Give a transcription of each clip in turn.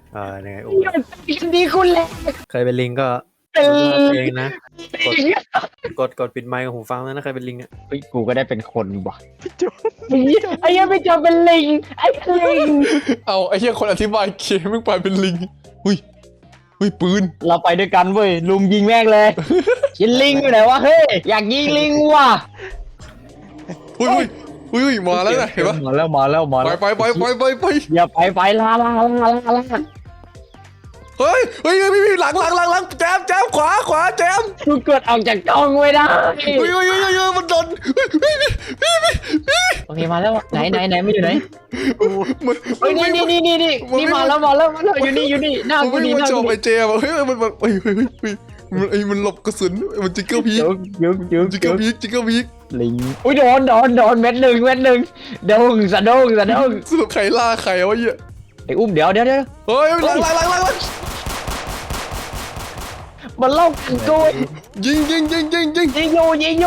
ยังไงดีคุณเลยใครเป็นลิงก็เป็นเองนะกดปิดไมค์กับหูฟังแล้วนะใครเป็นลิงอ่ะกูก็ได้เป็นคนว่ะจบไอ้ยังไม่จบเป็นลิงไอ้ลิงเอาไอ้เหี้ยคนอธิบายเกมมึงไปเป็นลิงหุ้ยปืนเราไปด้วยกันเว้ยลุมยิงแม่งเลยยิงลิงอยู่ไหนวะเฮ้ยอยากยิงลิงว่ะหุ้ยมาแล้วนะเห็นปะมาแล้วไปอย่าไปลาเฮ้ยพี่หลังแจมขวาแจมกูกดออกจากกล้องไม่ได้เฮ้ยมันโดนโอเคมาแล้วไหนไม่อยู่ไหนมันเฮ้ยนี่มาแล้วอยู่นี่หน้ากูมันนี่ไม่หน้าชอบกูไอ้แจมเฮ้ยมันหลบกระสุนมันจิกเกิลพีก จิกเกิลพีกลิงอุ้ยโดนเม็ดหนึ่งโดงสะดงสรุปใครล่าใครวะเหี้ยไอ้อุ้มเดี๋ยวเฮ้ยหลังมันเล่ากันกูยิงยิงอยู่เฮ้ย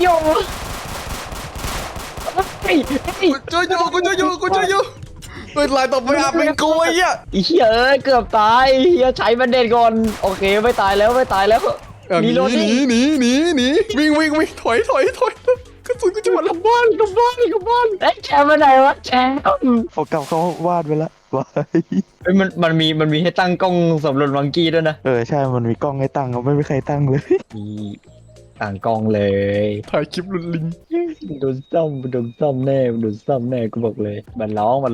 ช่วยอยู่เฮ้ยลายต่อไปเป็นกูไอ้เหี้ยไอ้เหี้ยเอ้ยเกือบตายเหี้ยใช้บันเดนก่อนโอเคไม่ตายแล้วหนีวิ่งถอยกระสุนกูจะหมดแล้วกบ้านไอ้แชมป์มาไหนวะแชมป์เขากลับเขาวาดไปแล้ววายเฮ้ยมันมีให้ตั้งกล้องสำรวจวังกี้ด้วยนะใช่มันมีกล้องให้ตั้งเขาไม่มีใครตั้งเลยมีต่างกล้องเลยถ่ายคลิปลุนลิงโดนซ่อมแน่กูบอกเลยมันร้อง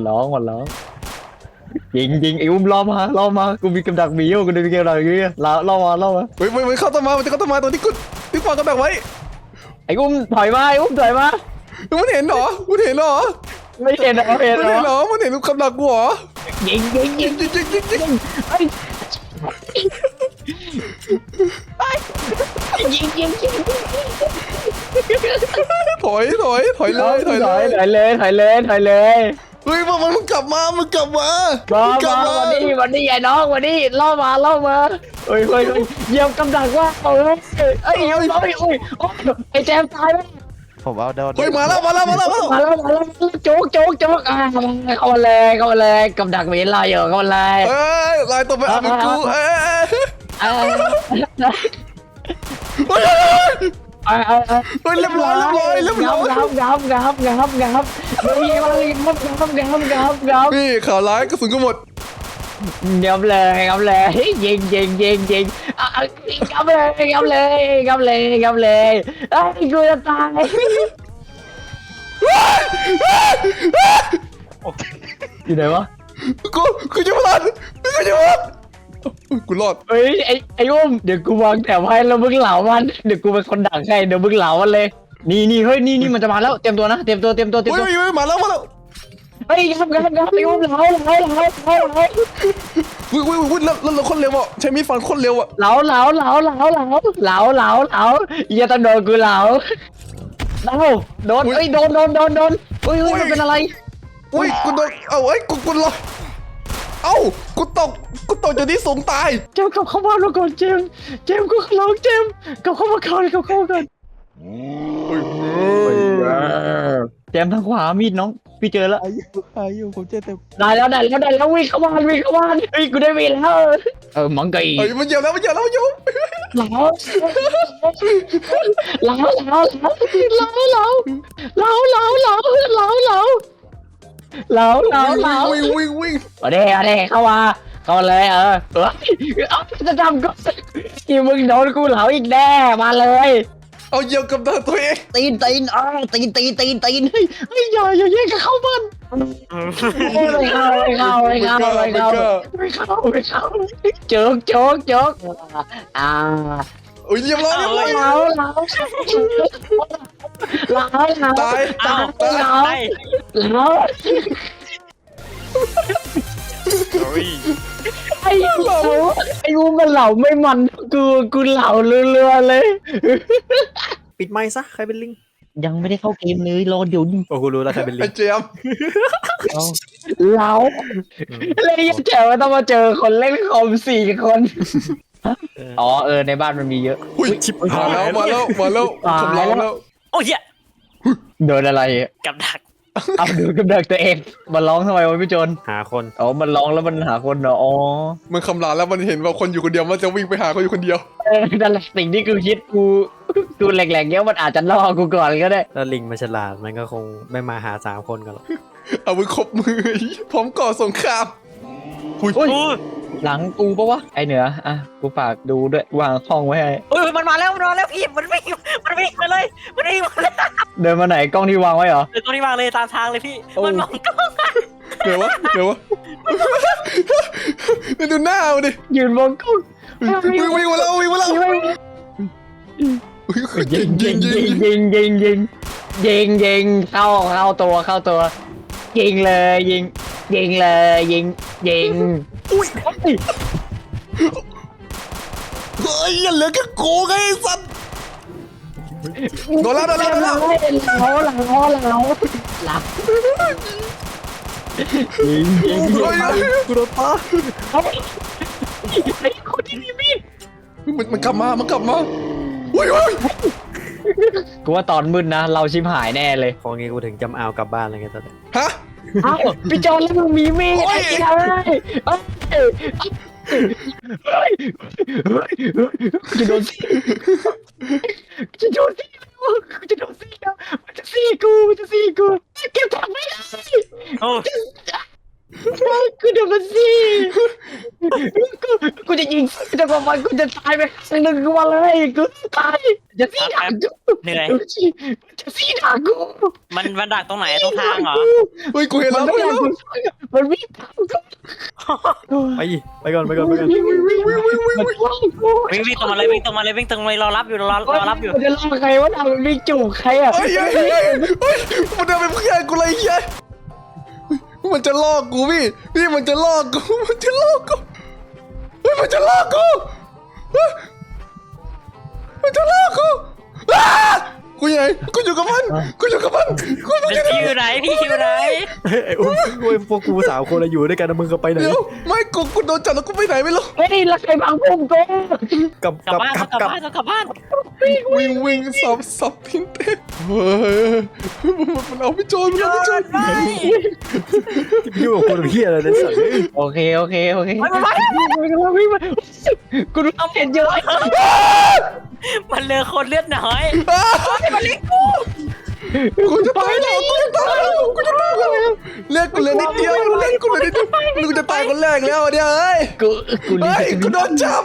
ยิงไอ้อุ้มล้อมากูมีกำดักหมีอยู่กูมีกำดักอยู่ล้อมาเฮ้ยมันเข้าต้นไม้ตัวที่กูที่ฟังกันแบบไว้ไอ้อุ้มถอยมามันเห็นเหรอไม่เห็นเหรอมันเห็นคำหลักกูเหรอยิงไอ้ยิงถอยเลยถอยเลยเฮ้ยมันกลับมามาวันนี้ไอ้น้องวันนี้ล่อมาเฮ้ยเยี่ยมกำดักว่าเอ้ยไอ้แจมตายแล้วผมเอาโดนเฮ้ยมาแล้วโจ๊กเข้ามาเลยกำดักเวลาอยู่เข้ามาเลยเอ้ยลายตัวไปเป็นกูเอ้ยเรียบร้อยพี่ข่าวร้ายกระสุนก็หมดเงียบเลยยิงงับเลยไอ้กูจะตายอยู่ไหนวะกูจะรอดกูรอดเฮ้ยไอ้อุ้มเดี๋ยวกูวางแถวให้แล้วมึงเหลามันเดี๋ยวกูเป็นคนดักให้เดี๋ยวมึงเหลามันเลยนี่เฮ้ยนี่มันจะมาแล้วเตรียมตัวนะเตรียมตัวเฮ้ยมาแล้วเฮ้ยครับไอ้อุ้มเหลาวิ่งแล้วคนเร็วอ่ะใช้มีดฟันคนเร็วอ่ะเหลาอย่าต้องโดนกูเหลาโดนเฮ้ยโดนเฮ้ยมันเป็นอะไรอุ้ยกูโดนกูรอกูตกจากที่สูงตายเจมกับเข้าบ้านมาก่อนเจมกูร้องเจมกับเข้ามาก่อนเจมทางขวามีดน้องพี่เจอแล้วอายุผมเจอแต่ได้แล้ววิ่งเข้าบ้านเฮ้ยกูได้มีแล้วมังกี้เฮ้ยมันเยอะแล้วอยู่เหลาวิ่งเอาเด้เข้าเลยจะทำก็กี่มึงโดนกูเหลาอีกแน่มาเลยเอาเหยียบกับตัวเองตีนเฮ้ยอย่าแย่งกันเข้าบ้านไม่เข้าโจ๊กโอ้ยเรียบร้อยตายไอ้งูมันเหล่าไม่มันกูเหล่าเรือเลยปิดไมค์ซะใครเป็นลิงยังไม่ได้เข้าเกมเลยรอเดี๋ยวนี้โอ้กูรู้แล้วใครเป็นลิไอ้งเจมเราเลยยังแจ๋วต้องมาเจอคนเล่นคอม4 คนในบ้านมันมีเยอะอุ้ยชิบมาแล้วทำร้ายแล้วโอ้ยโดนอะไรกับดักเอาดูกำเนิดตัวเองมันร้องทำไมวะพี่โจนหาคนอ๋อมันร้องแล้วมันหาคนเหรออ๋อมันคำรามแล้วมันเห็นว่าคนอยู่คนเดียวมันจะวิ่งไปหาคนอยู่คนเดียวนั่นแหละสิ่งที่กูคิดกูแหลกๆเนี้ยมันอาจจะล่อกูก่อนก็ได้แล้วลิงมันฉลาดมันก็คงไม่มาหา3 คนกันหรอกเอามือครบมือพร้อมก่อสงครามหุยอุ้ยหลังกูปะวะไอเหนืออ่ะกูฝากดูด้วยวางห้องไว้ให้เฮ้ยมันมาแล้วพี่มันวิ่งมาเลยมันวิ่งมาเลยเดินมาไหนกล้องที่วางไว้เหรอเดี๋ยวตรงนี้วางเลยตามทางเลยพี่โอ้มันมองกล้องเดี๋ยววะดูหน้ามันดิยืนมองกล้องวิ่งมาแล้วยิง เข้าตัวยิงเลยยิงอุ้ยเฮ้ยอย่าเหลือแค่กูไงไอ้สัตว์โดนแล้วหลังยิงกูโดนปะไอ้คนที่มีมีดมันกลับมาอุ้ยกูว่าตอนมืดนะเราชิมหายแน่เลยพองี้กูถึงจำเอากลับบ้านอะไรเงี้ยตอนนี้ฮะเอ้าพี่จอนแล้วมึงมีมีดไอ้เจ้าจะโดนมันจะซี่กูเก็บถังไม่ได้โอ้กูโดนมันซี่กูจะยิงจะกว่ามันกูจะตายไปสักหนึ่งวันเลยกูตายจะซี่ด่ากูเหนื่อยจะซี่ด่ากูมันดักตรงไหนตรงทางเหรอเฮ้ยกูเห็นแล้วมันวิ่งตามกูไปก่อนมันวิ่งกูวิ่งตรงมาเลยรอรับอยู่รอรับอยู่มันจะล่อใครวะน่ะมันวิ่งจูบใครอ่ะเฮ้ยมันเดินไปเพื่อนกูเลยยัยมันจะลอกกูพี่มันจะลอกกูเฮ้ยมันจะลอกกูมันจะลอกกูกูยังไงกูอยู่กับมันกูอยู่พี่อยู่ไหนไอ้อุ้มพวกกู3 คนอยู่ด้วยกันนะมึงก็ไปไหนเดี๋ยวไม่กูโดนจับแล้วกูไปไหนไม่รู้เฮ้ยแล้วใครบังพุ่มกูกลับกลับบ้านวิ่งสับทิ้งเต้เฮ้ยมันเอาพี่โจรยุ่งกับคนเพี้ยอะไรเนี่ยสัตว์โอเคกูรู้เห็นเยอะมันเหลือคนเลือดน้อยกูจะตายแล้วเลือดกูเหลือนิดเดียวกูจะตายคนแรกแล้วเนี่ยเฮ้ย กูโดนจับ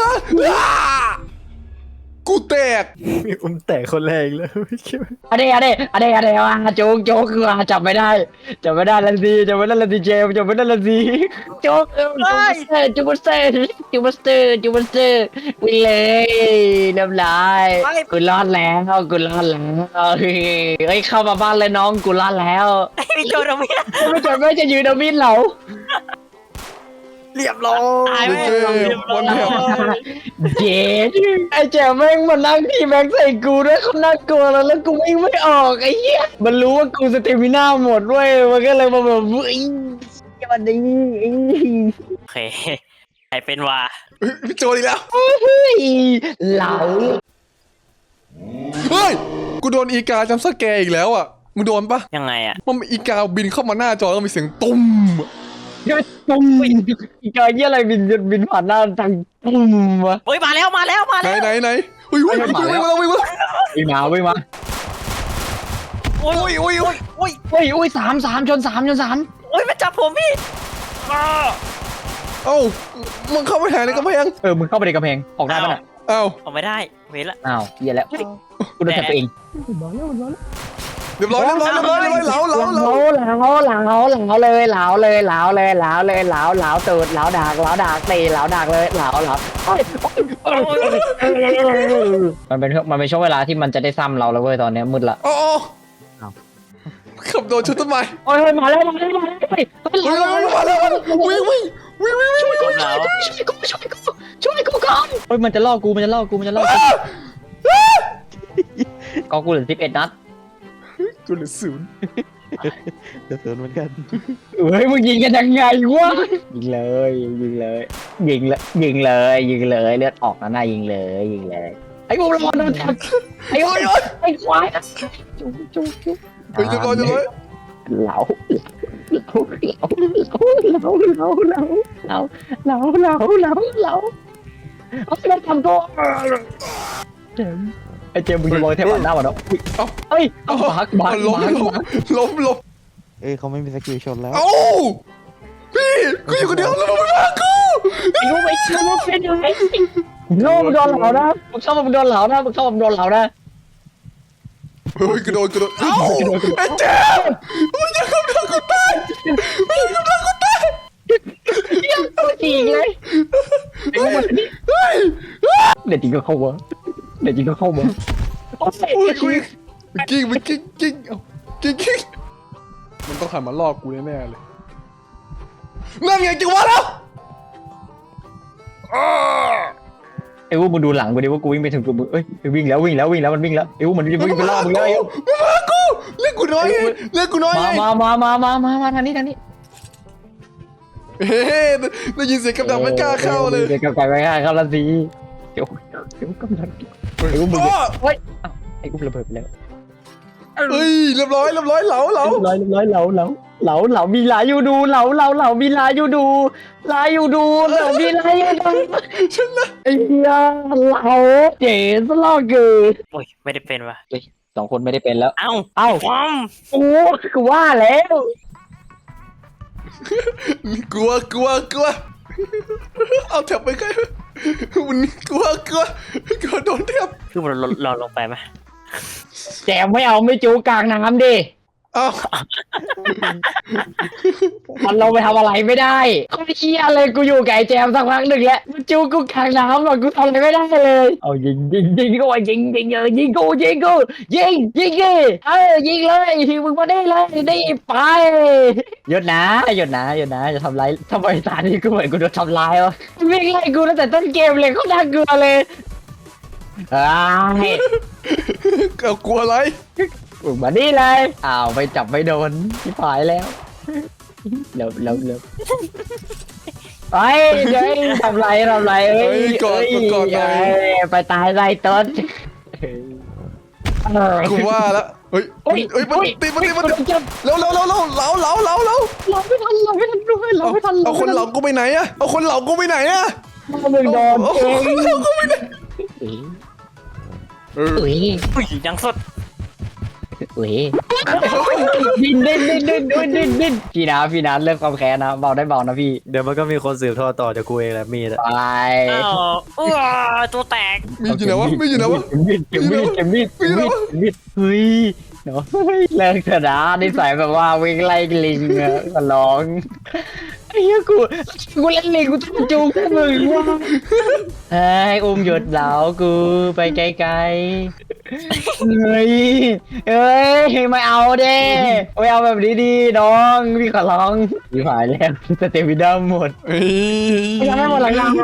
กูแตกอุ้มแตกคนแรกแล้วไม่คิดว่าอะไรโจ๊กคือจับไม่ได้ละสิเจมจับไม่ได้ละสิโจ๊กจูบัสเตอร์วิ่งเลยเรียบร้อยกูรอดแล้วเฮ้ยเข้ามาบ้านเลยน้องกูรอดแล้วพี่โจเราไม่ไม่จะยืนเอามีดเหลาเรียบร้อยตายวันแถวเจ๊ไอ้แจ๋แม่งมันนั่งพี่แม็กใส่กูด้วยเขาน่ากลัวแล้วกูวิ่งไม่ออกไอ้เหี้ยมันรู้ว่ากูสเตมิน่าหมดด้วยมันก็เลยมาแบบวันนี้โอเคใครเป็นวะพี่โจอีกแล้วเหลาเฮ้ยกูโดนอีกาจำสแกร์อีกแล้วอ่ะมึงโดนปะยังไงอ่ะมันมีอีกาบินเข้ามาหน้าจอแล้วมีเสียงตุ้มตุ้มอีกาเหี้ยอะไรบินผ่านหน้าทางตุ้มวะโอ้ยมาแล้วไหนอุ้ยวิ่งมาวิ่งมาโอ้ยสามชนโอ้ยมันจับผมพี่เอ้ามึงเข้าไปหาในกำแพงมึงเข้าไปในกำแพงออกได้ปะน่ะเอ้าออกไม่ได้เว้นละอ้าวเหี้ยแล้วกูโดนจับตัวเองเรียบร้อยเหลาเลยเหลาตูดเหลาดักตีเหลาดักเลยเหลามันเป็นช่วงเวลาที่มันจะได้ซ้ำเราแล้วเว้ยตอนนี้มืดละอ๋อขับโดนชุดต้นไม้โอ้ยมาแล้ววิ่งช่วยกูก่อนเฮ้ยมันจะล่อกูก็กูเหลือ11 นัดกูเหลือ0 เดือดเหมือนกันเฮ้ยมึงยิงกันยังไงวะยิงเลยเลือดออกนะน่ายิงเลยไอ้พวกเราโดนจับไอ้ควายจุ๊เฮ้ยจะรอเหลาเอาไปทำตัวไอ้เจมมึงจะมองเทปหน้ามันเนาะเอ้ยเอาบักล้มเอ้ยเขาไม่มีสกิลชนแล้วเอ้าพี่กูอยู่คนเดียวแล้วมึงมากูรู้ไหมชื่อว่าเป็นยังไงโง่มึงโดนเหลานะมึงเข้ามามึงโดนเหลานะเฮ้ยกูโดนเอ้าไอ้เจ๊มึงจะกำลังกูตายตัวจริงเลยไอ้พวกมันนี่เฮ้ยเด็ดจริงก็เข้ามาโอ้โอ้ยยกูกิ้งเอ้ากิ้งมันต้องหันมาลอกกูแน่ๆเลยนั่นไงจังหวะแล้วไอ้พวกมึงดูหลังกูดิว่ากูวิ่งไปถึงตัวมึงเอ้ยวิ่งแล้วมันวิ่งแล้วไอ้พวกมันวิ่งไปล่อมึงแล้วไอ้มึงมากูเล่นกูน้อยไงมาทางนี้เฮ้ยได้ยินเสียงกำลังไม่กล้าเข้าเลยเดี๋ยวกับไก่ไม่กล้าเข้าละสิเดี๋ยวกำลังไอ้พวกมึงเฮ้ยไอ้กูระเบิดไปแล้วเฮ้ยเรียบร้อยเหลาร้อยเหลามีหลายอยู่ดูเหลามีหลายอยู่ดูเหลามีหลายอยู่ดูชนะไอ้เหี้ยเหลาเจ๋สลอกเกินโอ้ยไม่ได้เป็นวะสองคนไม่ได้เป็นแล้วเอ้าโอ้กูว่าแล้วกลัวเอาแถบไปใกล้วันนี้กลัวโดนแถบคือมันเราลงไปไหมแจมไม่เอาไม่จูกลางน้ำดิอ้าวมันลงไปทำอะไรไม่ได้เขาเชี่ยเลยกูอยู่กับไอ้แจมสักพักหนึ่งแล้วมันจูกูกลางน้ำหรอกกูทำอะไรไม่ได้เลยเอายิงก็ว่ายิงยิงยิงดิยิงเลยมึงมาได้เลยได้ไปหยุดนะจะทำไรทำไมตานี้กูเหมือนกูโดนทำร้ายวะวิ่งไล่กูตั้งแต่ต้นเกมเลยเขาน่ากลัวเลยเอากลัวอะไรมึงมานี่เลยไปจับไม่โดนที่ผายแล้วเร็วไปเดี๋ยวทำไรก่อนไปตายไรต้นกูว่าแล้วเฮ้ยมันตีแล้วเหลาเอาคนเหลากูไปไหนอะมึงโดนเองอุ้ยยังสดดินพี่นะเลิกความแค้นนะเบาได้เบานะพี่เดี๋ยวมันก็มีคนสืบทอดต่อจากกูเองแหละมีดอะไปตัวแตกมีอยู่ไหนวะมีดเฮ้ยเนาะเลิกเถอะนะนิสัยแบบว่าวิ่งไล่ลิงอะก็ร้องไอ้เหี้ยกูเล่นลิงกูต้องจูงมึงว่ะเฮ้ยหยุดเหลากูไปไกลเฮ้ยไม่เอาเด้ไม่เอาแบบนี้ดีน้องพี่ขอร้องพี่หายแล้วสเตมิน่าหมดยังไม่หมดหลังมา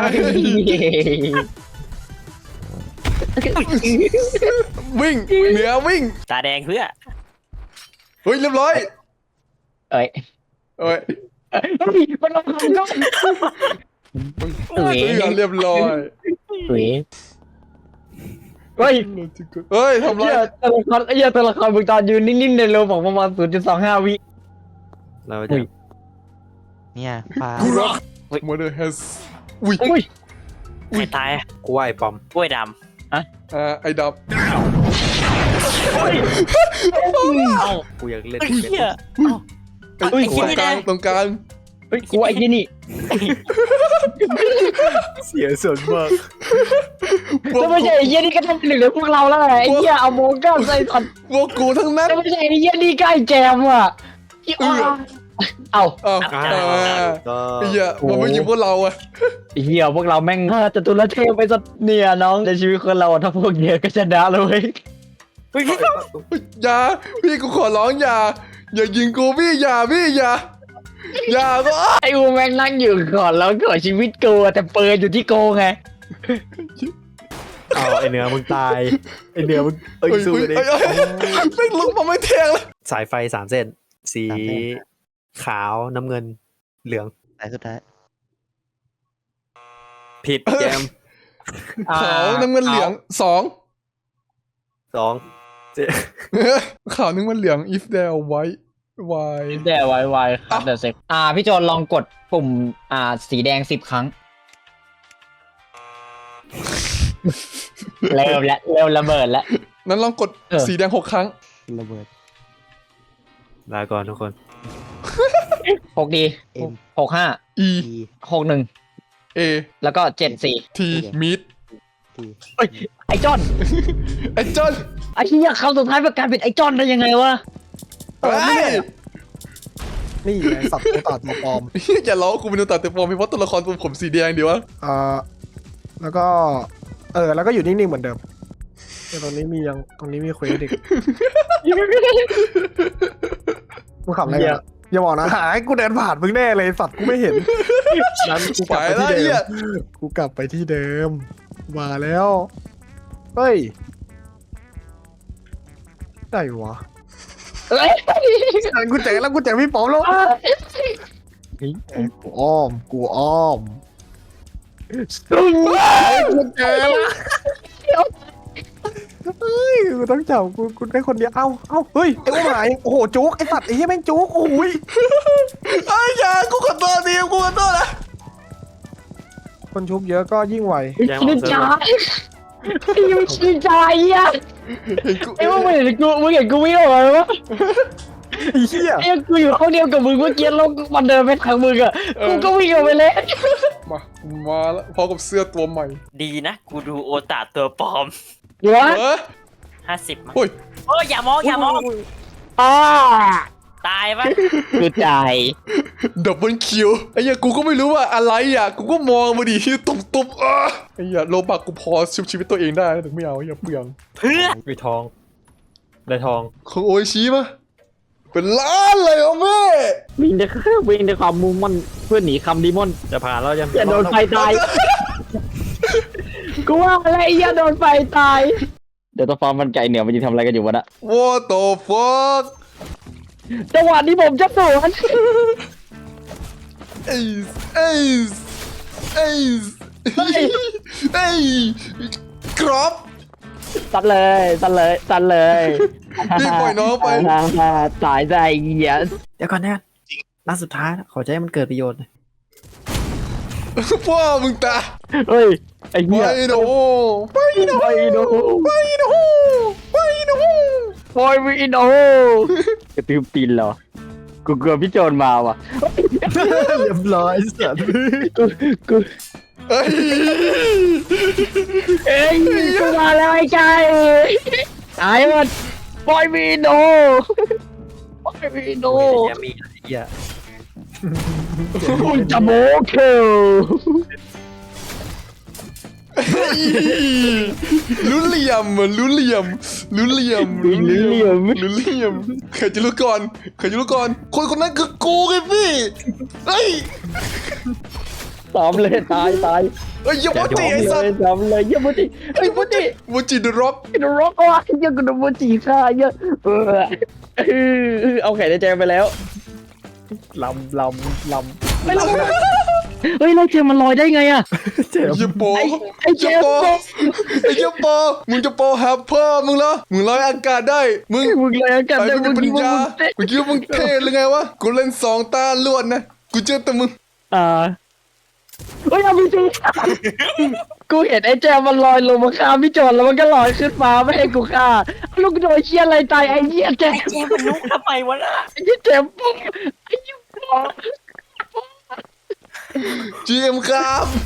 วิ่งเหนือวิ่งตาแดงเพื่อเฮ้ยเรียบร้อยมันลงคันก็เรียบร้อยเฮ้ยทำไรตัวละครมึงตอนยืนนิ่งๆในโลบอกประมาณ 0.25 วิเราจะเนี่ยปลากูรัก Mother has อุ้ยใครตายกูว่าไอ้ปอมกล้วยดไอ้ดับกูอยากเล่นำเฮียตรงกลางเฮ้ยกูไอ้ยี่นี่เสียส่วนมากแล้วไม่ใช่ไอ้ยี่นี่ก็ทำหนึ่งในพวกเราแล้วไงไอ้เหี้ยเอาโมก้าใส่ตัดพวกกูทั้งนั้นแล้วไม่ใช่ไอ้ยี่นี่ก็ไอ้แจมอ่ะเอาไอ้เหี้ยมันไม่ยิงพวกเราอะไอ้เหี้ยพวกเราแม่งจตุรเทพไปสักเนี่ยน้องในชีวิตคนเราถ้าพวกเดียวก็ชนะเลยอย่าพี่กูขอร้องอย่ายิงกูพี่อย่าก็ไอ้อูแม่งนั่งอยู่ก่อนแล้วก่อนชีวิตกูแต่เปิดอยู่ที่โกไงไอเหนือมึงตายไอเหนือมึงสู้ดิแม่งลุกมาไม่แทงแล้วสายไฟ3 เส้นสีขาวน้ำเงินเหลืองแต่สุดท้ายผิดแจมขาวน้ำเงินเหลือง2 2 ขาวน้ำเงินเหลือง if there white วายแต่ไวครับเดี๋ยวเซ็กพี่โจลองกดปุ่มสีแดง10 ครั้งเริ่มระเบิดแล้วนั้นลองกดสีแดง6 ครั้งระเบิดลาก่อนทุกคน 6 ดี M 65 E 61 A แล้วก็74 T meet ทีเฮ้ยไอจอนไอ้จอนไอ้เหี้ยคำสุดท้ายประกาศเป็นไอจอนได้ยังไงวะเฮ้ยนี่ไงสัตว์ตัวตัดตัวปลอมอย่าล้อกูเป็นตัวตัดแต่ฟอร์มเพราะตัวละครผมสีแดงดีวะแล้วก็แล้วก็อยู่นิ่งๆเหมือนเดิมแต่ตรงนี้มีเควสอีกมึงขับอะไรกันอะอย่าบอกนะหายกูเดินผ่านมึงแน่เลยสัตว์กูไม่เห็นนั้นกูกไปลับไปแล้วที่ไอ้เดิเหี้ยมกูกลับไปที่เดิมมาแล้วเฮ้ยได้วะเอ้ยกูเจอแล้วกูเจอพี่ป๋อมแล้วกูอ้อมกูเจอแล้วเฮ้ยกูต้องจับกูได้คนเดียวเอ้าเฮ้ยไอ้อุ้มหายโอ้โหจุกไอ้สัตว์ไอ้เหี้ยแม่งจุกโอ้ยไอ้ยากูขอโทษทีกูขอโทษนะคนชุบเยอะก็ยิ่งไวชินจายังชินจาอ่ะเห็นกูไอ้ว่ามึงเห็นกูไม่ออกเลยวะไอ้เหี้ยไอ้กูอยู่ห้องเดียวกับมึงเมื่อกี้แล้วมันเดินไปทางมึงอ่ะกูก็วิ่งออกไปเลยมาแล้วพร้อมกับเสื้อตัวใหม่ดีนะ กูดูโอตาตัวปลอมเดี๋ยวเฮ้ย 50 มั้งโอ้ยโอ้ยอย่ามองอ่าตายปะกูใจดับเบิลคิวไอ้เหี้ยกูก็ไม่รู้ว่าอะไรอ่ะกูก็มองมาดิตุบไอ้เหี้ยโลบักกูพอชุบชีวิตตัวเองได้แต่ไม่เอาอย่าเปลืองเพื่อมีทอง ได้ทองของโออิชิปะเป็นล้านเลยเหรอแม่วิ่งด้วยความมุ่งมั่นเพื่อหนีคำดีมอนจะผ่านแล้วยังอย่าโดนไฟตายกูว่าอะไรอย่าโดนไฟตายเดี๋ยวตัวฟอร์มมันไก่เหนือมันจะทำอะไรกันอยู่วะนะ What the fuck จังหวะนี้ผมจะสวนเอ้ยกรอบตัดเลยรีบปล่อยน้องไปตายได้เหี้ยเดี๋ยวก่อนนะนัดสุดท้ายนะขอใจให้มันเกิดประโยชน์หน่อยพ่อมึงตาเฮ้ยไอ้ไปเหี้ยโนไปโนไปโนไปโนไปโนปอยวีโนกระตือตีนเหรอกูกลัวพี่โจรมาว่ะเรียบร้อยสัตว์กูเอ้ยเอ้ยกูมาแล้วไอ้ไก่ตายหมดปอยวีโนอย่ามีอะไรเหี้ยมึงจะโมเคิลรู้เหลี่ยมใครจะรู้ก่อนคนนั้นคือกูไงพี่เฮ้ยตอมเลยตายเฮ้ยอย่าโมจิไอ้สัตว์ตอมเลยเยี่ยมจิไอ้ยมจิโมจิเดอะร็อกกินร็อกว่ะเยี่ยมกับมจิค่ะเยี่ยเอาไข่ในแจงไปแล้วลำไม่ลงเฮ้ยแล้วเจมมันลอยได้ไงอะเจ็บอย่าโปไอ้เจมอย่าโปมึงจะโปหาพ่อมึงเหรอมึงลอยอากาศได้มึงมึงลอยอากาศไอ้ได้มึงเป็นปริญญามึงคิดว่ามึงเท่หรือไงวะกูเล่น2 ตาลวดนะกูเจอแต่มึงเฮ้ยเอาพี่จีกูเห็นไอ้แจมมันลอยลงมาฆ่าพี่โจรแล้วมันก็ลอยขึ้นฟ้าไม่ให้กูฆ่าลูกโดนเชี่ยอะไรตายไอ้เหี้ยแจมไอ้เจมมันลุกทำไมวะน่ะไอ้เหี้ยแจมปุ๊บไอ้เหี้ย GM ครับ